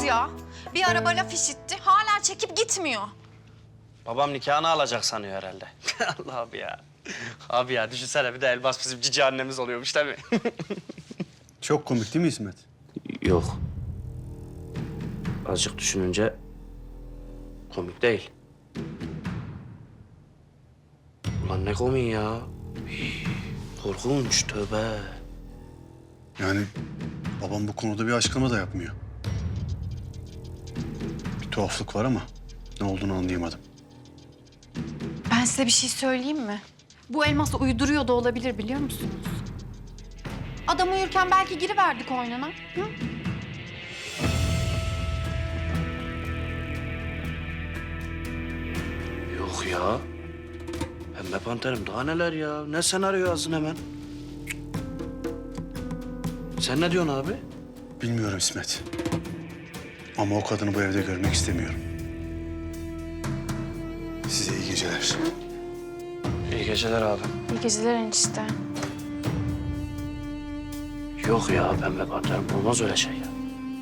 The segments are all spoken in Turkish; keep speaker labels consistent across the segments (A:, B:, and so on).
A: ya. Bir araba laf işitti, hala çekip gitmiyor.
B: Babam nikahını alacak sanıyor herhalde. Allah abi ya. Abi ya düşünsene bir de Elbas bizim cici annemiz oluyormuş değil mi?
C: Çok komik değil mi İsmet?
B: Yok. Azıcık düşününce komik değil. Ulan ne komik ya. Hii, korkunç tövbe.
C: Yani babam bu konuda bir açıklama da yapmıyor. Bir tuhaflık var ama ne olduğunu anlayamadım.
A: Ben size bir şey söyleyeyim mi? Bu Elmas uyduruyor da olabilir, biliyor musunuz? Adam uyurken belki giriverdik oyununa. Hı?
B: Yok ya. Pembe Panterim daha neler ya. Ne senaryo yazdın hemen. Sen ne diyorsun abi?
C: Bilmiyorum İsmet. Ama o kadını bu evde görmek istemiyorum. Size iyi geceler.
B: İyi geceler abi.
A: İyi geceler enişte.
B: Yok ya Pembe Panterim olmaz öyle şey ya.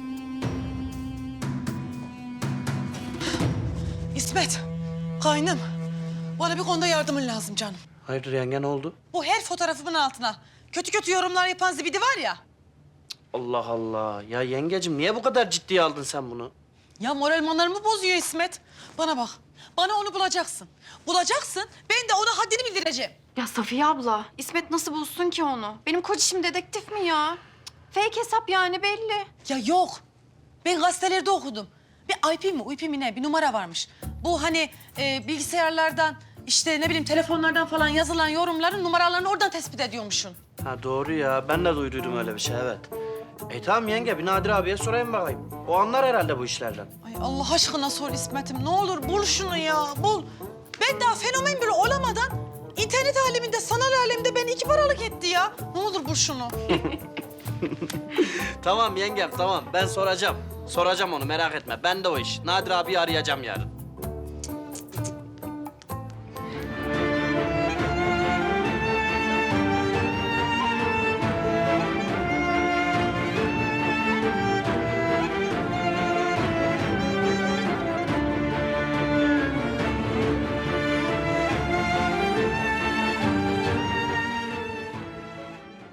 D: İsmet, kaynım. Bana bir konuda yardımın lazım canım.
B: Hayırdır yenge ne oldu?
D: Bu her fotoğrafımın altına kötü kötü yorumlar yapan zibidi var ya.
B: Allah Allah. Ya yengecim niye bu kadar ciddiye aldın sen bunu?
D: Ya moral manlarımı bozuyor İsmet. Bana bak, bana onu bulacaksın. Bulacaksın, ben de ona haddini bildireceğim.
A: Ya Safiye abla, İsmet nasıl bulsun ki onu? Benim koçişim dedektif mi ya? Fake hesap yani belli.
D: Ya yok, ben gazetelerde okudum. Bir IP mi, UP mi ne bir numara varmış. Bu hani bilgisayarlardan, işte ne bileyim telefonlardan falan yazılan yorumların numaralarını oradan tespit ediyormuşsun.
B: Ha doğru ya. Ben de duyduydum öyle bir şey evet. Tamam yenge bir Nadir abiye sorayım bakayım. O anlar herhalde bu işlerden.
D: Ay Allah aşkına sor İsmet'im. Ne olur bul şunu ya, bul. Ben daha fenomen bile olamadan internet aleminde, sanal aleminde beni iki paralık etti ya. Ne olur bul şunu.
B: Tamam yengem tamam ben soracağım. Soracağım onu merak etme. Ben de o iş. Nadir abiyi arayacağım yarın.